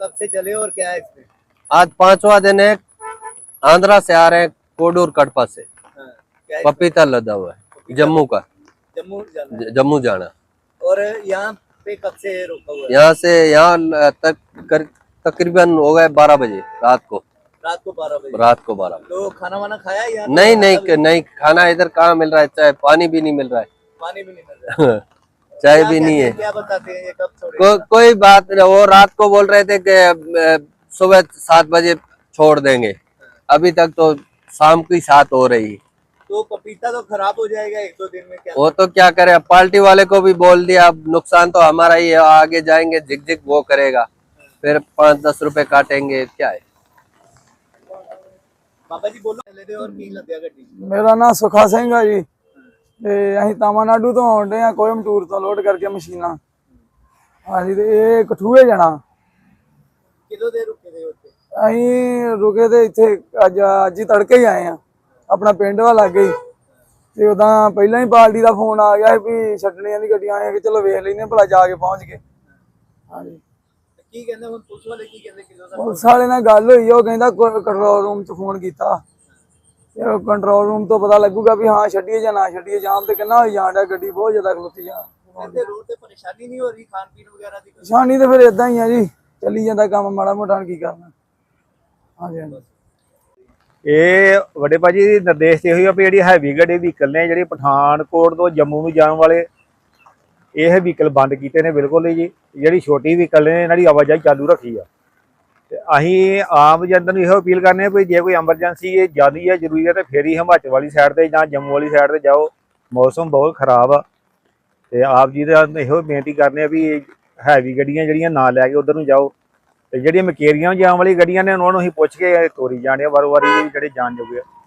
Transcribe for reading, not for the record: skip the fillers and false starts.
कब से चले और क्या है इसमें? आज 5वां दिन है। आंध्रा से आ रहे हैं, कोडूर कटपा से। क्या है? पपीता लदा हुआ है, जम्मू का। जम्मू जाना है। जम्मू जाना। और यहाँ पे कब से रोका हुआ है? यहाँ से यहाँ तक तकरीबन हो गए 12 बजे रात को। रात को 12 बजे। रात को 12 बजे। तो खाना वाना खाया या नहीं, खाना इधर कहाँ मिल रहा है, चाहे पानी भी नहीं मिल रहा है। पानी भी नहीं मिल रहा है। चाय भी नहीं है। क्या बताते हैं ये कब छोड़ेंगे? कोई बात नहीं। वो रात को बोल रहे थे कि सुबह 7 बजे छोड़ देंगे, अभी तक तो शाम की 7 हो रही। तो पपीता तो खराब हो जाएगा 1-2 दिन में। क्या वो तो क्या करे, अब पार्टी वाले को भी बोल दिया, अब नुकसान तो हमारा ही है। आगे जाएंगे झिक झिक वो करेगा, फिर 5-10 रुपए काटेंगे, क्या है। बाबा जी बोलो ले दे। और की लद्या गड्डी? मेरा नाम सुखा सिंह है जी। ਤੇ ਅਸੀਂ ਤਾਮਿਲਨਾਡੂ ਤੋਂ ਆਉਂਦੇ ਆ, ਕੋਇੰਬਟੂਰ ਤੋਂ ਲੋਡ ਕਰਕੇ ਮਸ਼ੀਨਾਂ। ਹਾਂਜੀ, ਤੇ ਇਹ ਕਠੂਏ ਜਾਣਾ। ਕਿਦੋਂ ਦੇ ਰੁਕੇ ਦੇ ਉੱਤੇ? ਅਸੀਂ ਰੁਕੇ ਤੇ ਇੱਥੇ ਅੱਜ ਹੀ ਤੜਕੇ ਹੀ ਆਏ ਆ, ਆਪਣਾ ਪਿੰਡ ਵਾ ਲੱਗੇ ਹੀ। ਤੇ ਉਦਾਂ ਪਹਿਲਾਂ ਹੀ ਪਾਰਟੀ ਦਾ ਫੋਨ ਆ ਗਿਆ ਵੀ ਛੱਡਣੀਆਂ ਦੀ ਗੱਡੀਆਂ ਆਏ, ਕਿ ਚਲੋ ਵੇਖ ਲੈਨੇ ਭਲਾ ਜਾ ਕੇ ਪਹੁੰਚ ਗਏ। ਹਾਂਜੀ, ਕੀ ਕਹਿੰਦੇ ਹੁਣ ਪੁਲਿਸ ਵਾਲੇ? ਕੀ ਕਹਿੰਦੇ ਕਿਦੋਂ ਦਾ? ਪੁਲਿਸ ਵਾਲੇ ਨਾਲ ਗੱਲ ਹੋਈ, ਉਹ ਕਹਿੰਦਾ ਕੰਟਰੋਲ ਰੂਮ 'ਚ ਫੋਨ ਕੀਤਾ। कंट्रोल रूम तो पता लगूगा भी हाँ छड्डिए या ना छड्डिए। जाम तो कितना होई जान डा, गड्डी बहुत ज्यादा खलोती जा। ਇੱਥੇ ਰੋਡ ਤੇ ਪਰੇਸ਼ਾਨੀ ਨਹੀਂ ਹੋ ਰਹੀ ਖਾਣ ਪੀਣ ਵਗੈਰਾ ਦੀ? परेशानी तो फिर इदा ही है जी, चली जाता काम माड़ा मोटा की करना। हाँ जी, हाँ जी। ਇਹ ਵੱਡੇ ਭਾਜੀ ਨਿਰਦੇਸ਼ ਇਹੋ ਹੀ ਆ ਵੀ ਜਿਹੜੀ ਹੈਵੀ ਗੱਡੀ ਵਹੀਕਲ ਨੇ, ਜਿਹੜੀ ਪਠਾਨਕੋਟ ਤੋਂ ਜੰਮੂ ਨੂੰ ਜਾਣ ਵਾਲੇ, ਇਹ ਵਹੀਕਲ ਬੰਦ ਕੀਤੇ ਨੇ ਬਿਲਕੁਲ ਹੀ ਜੀ। ਜਿਹੜੀ ਛੋਟੀ ਵਹੀਕਲ ਨੇ ਇਹਨਾਂ ਦੀ ਆਵਾਜਾਈ ਚਾਲੂ ਰੱਖੀ ਆ। ਤੇ ਅਸੀਂ ਆਮ ਜਨਤਾ ਨੂੰ ਇਹੋ ਅਪੀਲ ਕਰਨੇ ਆ ਵੀ ਜੇ ਕੋਈ ਐਮਰਜੈਂਸੀ ਇਹ ਜ਼ਿਆਦਾ ਹੈ, ਜ਼ਰੂਰੀ ਹੈ, ਤੇ ਫਿਰ ਹੀ ਹਿਮਾਚਲ ਵਾਲੀ ਸਾਈਡ ਤੇ ਜਾਂ ਜੰਮੂ ਵਾਲੀ ਸਾਈਡ ਤੇ ਜਾਓ। ਮੌਸਮ ਬਹੁਤ ਖਰਾਬ ਆ। ਤੇ ਆਪ ਜੀ ਦਾ ਇਹੋ ਬੇਨਤੀ ਕਰਨੇ ਆ ਵੀ ਹੈਵੀ ਗੱਡੀਆਂ ਜਿਹੜੀਆਂ ਨਾ ਲੈ ਕੇ ਉਧਰ ਨੂੰ ਜਾਓ। ਤੇ ਜਿਹੜੀਆਂ ਮਕੇਰੀਆਂ ਜਾਣ ਵਾਲੀ ਗੱਡੀਆਂ ਨੇ ਉਹਨਾਂ ਨੂੰ ਅਸੀਂ ਪੁੱਛ ਕੇ ਤੋਰੀ ਜਾਣੇ ਆ ਵਾਰੋ ਵਾਰੀ, ਜਿਹੜੇ ਜਾਣ ਜੋਗੇ ਆ।